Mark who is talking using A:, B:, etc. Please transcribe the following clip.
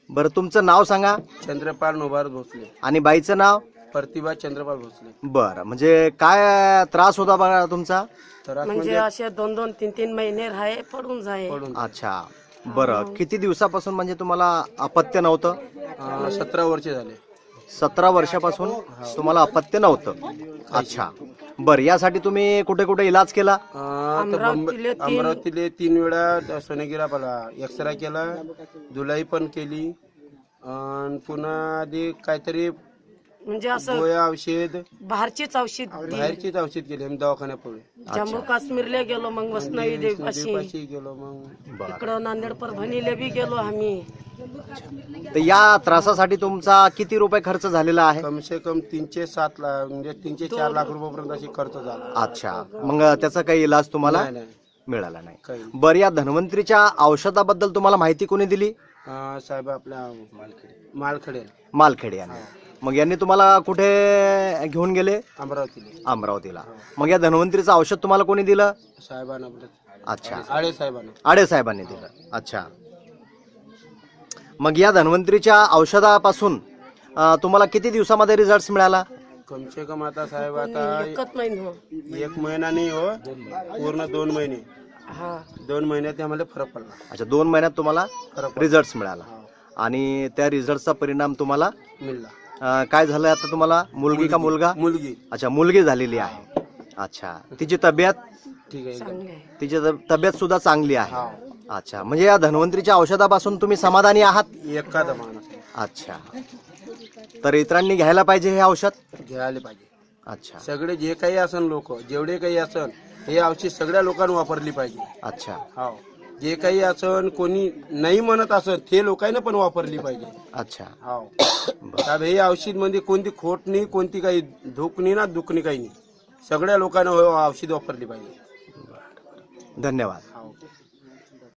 A: बरं तुमचं नाव सांगा
B: चंद्रपाल नोभार भोसले
A: आणि बाईचं नाव
B: प्रतिभा चंद्रपाल भोसले.
A: बरं म्हणजे काय त्रास होता बघा तुमचा?
B: तर
C: म्हणजे असे 2-2, 3-3 महिने राहे पडून जाय.
B: पडून
A: अच्छा बरं किती दिवसापासून म्हणजे तुम्हाला अपत्य नव्हतं?
B: 17 वर्ष झाले.
A: 17 वर्षापासून तुम्हाला अपत्य नव्हतं. अच्छा बरं यासाठी तुम्ही कुठे कुठे इलाज केला?
B: अमरावतीले 3 वेळा सोनेगिरापाला एक्सरा केला, धुलाई पण केली आणि पुन्हा आधी काहीतरी
C: म्हणजे असं
B: गोळ्या औषध
C: बाहेरचीच औषध
B: बाहेरचीच औषध केली आम्ही दवाखान्यापुढे.
C: जम्मू काश्मीरला गेलो, मग वसनाई देवीपाशी
B: देवीपाशी गेलो, मग
C: इकडं नांदेड परभणीला बी गेलो आम्ही.
A: तर या त्रासासाठी तुमचा किती रुपये खर्च झालेला आहे?
B: कम से कम 307 लाख म्हणजे 304 लाख रुपयापर्यंत अशी खर्च झाला.
A: अच्छा मग त्याचा काही इलाज तुम्हाला
B: नाही नाही
A: मिळाला नाही?
B: काही
A: बरं या धन्वंतरीच्या औषधाबद्दल तुम्हाला माहिती कोणी दिली?
B: साहेब आपल्या मालखेडे
A: मालखेडे यांनी. मग यांनी तुम्हाला कुठे घेऊन गेले?
B: अमरावतीले
A: अमरावतीला. मग या धन्वंतरीचं औषध तुम्हाला कोणी दिलं?
B: साहेबांना आपल्या
A: अच्छा
B: आळे साहेबांना.
A: आडे साहेबांनी दिलं. अच्छा मग या धन्वंतरीच्या औषधापासून तुम्हाला किती दिवसामध्ये रिझल्ट मिळाला?
B: कम से कम आता साहेब आता
C: एकच महिना.
B: 1 महिना नाही हो, पूर्ण 2 महिने.
C: हा
B: 2 महिन्यात आम्हाला फरक पडला.
A: अच्छा 2 महिन्यात तुम्हाला
B: फरक पडला.
A: रिझल्ट मिळाला
B: हा,
A: आणि त्या रिझल्टचा परिणाम तुम्हाला
B: मिळाला.
A: काय झालं आता तुम्हाला? मुलगी का मुलगा?
B: मुलगी
A: अच्छा मुलगी झालेली आहे. अच्छा तिची तब्येत?
B: ठीक आहे.
C: चांगले आहे.
A: तिची तब्येत सुद्धा चांगली आहे.
B: हा
A: अच्छा म्हणजे या धन्वंतरीच्या औषधापासून तुम्ही समाधानी आहात?
B: एखादा माणूस
A: अच्छा तर इतरांनी घ्यायला पाहिजे हे औषध?
B: घ्यायला पाहिजे.
A: अच्छा
B: सगळे जे काही असन लोक जेवढे काही असन हे औषध सगळ्या लोकांनी वापरली पाहिजे.
A: अच्छा
B: हो जे काही असन कोणी नाही म्हणत असन ते लोकांनी पण वापरली पाहिजे.
A: अच्छा
B: हो साहेब हे औषध मध्ये कोणती खोट नाही, कोणती काही धूक नाही ना दुख नाही, काही नाही. सगळ्या लोकांना औषध वापरली पाहिजे.
A: धन्यवाद.